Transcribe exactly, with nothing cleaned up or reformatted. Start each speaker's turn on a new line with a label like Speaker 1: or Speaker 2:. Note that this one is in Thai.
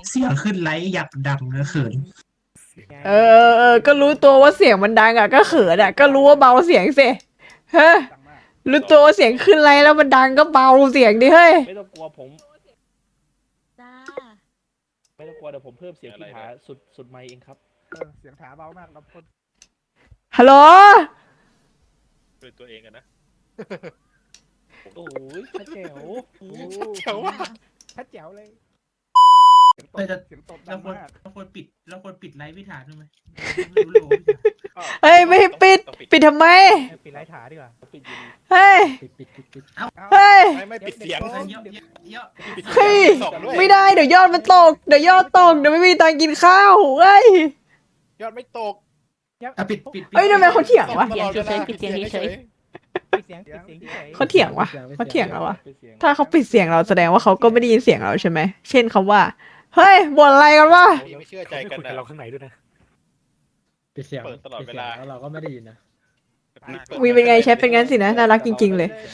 Speaker 1: เสียงขึ้นไลท์อยากดังนะเขิน
Speaker 2: เออเออเออก็รู้ตัวว่าเสียงมันดังอ่ะก็เขินอ่ะก็รู้ว่าเบาเสียงสิเฮ้ยรู้ตัวว่าเสียงขึ้นไรแล้วมันดังก็เบาเสียงดิเฮ้ย
Speaker 3: ไม่ต้องกลัวผม
Speaker 4: จ้า
Speaker 3: ไม่ต้องกลัวเดี๋ยวผมเพิ่มเสียงที่หาสุดสุดไมค์เองครับ
Speaker 5: เออเสียงถาเบามากนะพ่น
Speaker 2: ฮัลโหล
Speaker 6: เป็นตัวเองกันนะ
Speaker 3: โอ้ยชัดแจ๋ว
Speaker 5: โอ้
Speaker 6: เจ๋วมาก
Speaker 5: ถ้าแจ๋วเลยเสียงต
Speaker 1: เออแต่
Speaker 5: บเสียงตบดั
Speaker 1: เรา
Speaker 5: ง
Speaker 1: ควร
Speaker 5: มาก
Speaker 1: เราควรปิดเราควรปิดไลท์พิธาด้วยไหมไม่รู้เลย
Speaker 2: เฮ้ยไม่ให้ปิดปิดทำไม
Speaker 5: ปิดไลท์ถาดีกว่า
Speaker 3: ปิดอยู่ดี
Speaker 2: เฮ้ย
Speaker 5: ปิดปิดปิดปิด
Speaker 2: เฮ้ย
Speaker 6: ไม่ไม่ปิดเสียง
Speaker 1: เยอะเยอะเยอะ
Speaker 2: เฮ้ย
Speaker 6: สองด้วย
Speaker 2: ไม่ได้เดี๋ยวยอดมันตกเดี๋ยวยอดตกเดี๋ยวไม่มีตังค์กินข้าวเฮ้ย
Speaker 6: ยอดไม่ตก
Speaker 1: อ่ะปิดปิด
Speaker 2: เฮ้ยทำไมเขาเถียงวะ
Speaker 6: ตลอดเวลาปิดเสียงเฉย
Speaker 5: ปิดเสียงปิดเสียงเฉย
Speaker 2: เขาเถียงวะเขาเถียงเราวะ
Speaker 3: ปิดเสียง
Speaker 2: ถ้าเขาปิดเสียงเราแสดงว่าเขาก็ไม่ได้ยินเสียงเราใช่ไหมเช่นคำว่าเฮ้ยบ่นอะไรกันวะ
Speaker 6: ๆไม่เชื่อใจกัน
Speaker 5: คุย
Speaker 6: นะ
Speaker 5: เราข้างในด้วยนะ
Speaker 7: ปิดเสียง
Speaker 6: เปิดตลอดเวลา
Speaker 7: ปิสียงแล้วเราก็ไม่ได้ยินนะ
Speaker 2: วีเป็นไงแชทเป็นงั้นสินะน่ารักจริงๆเลย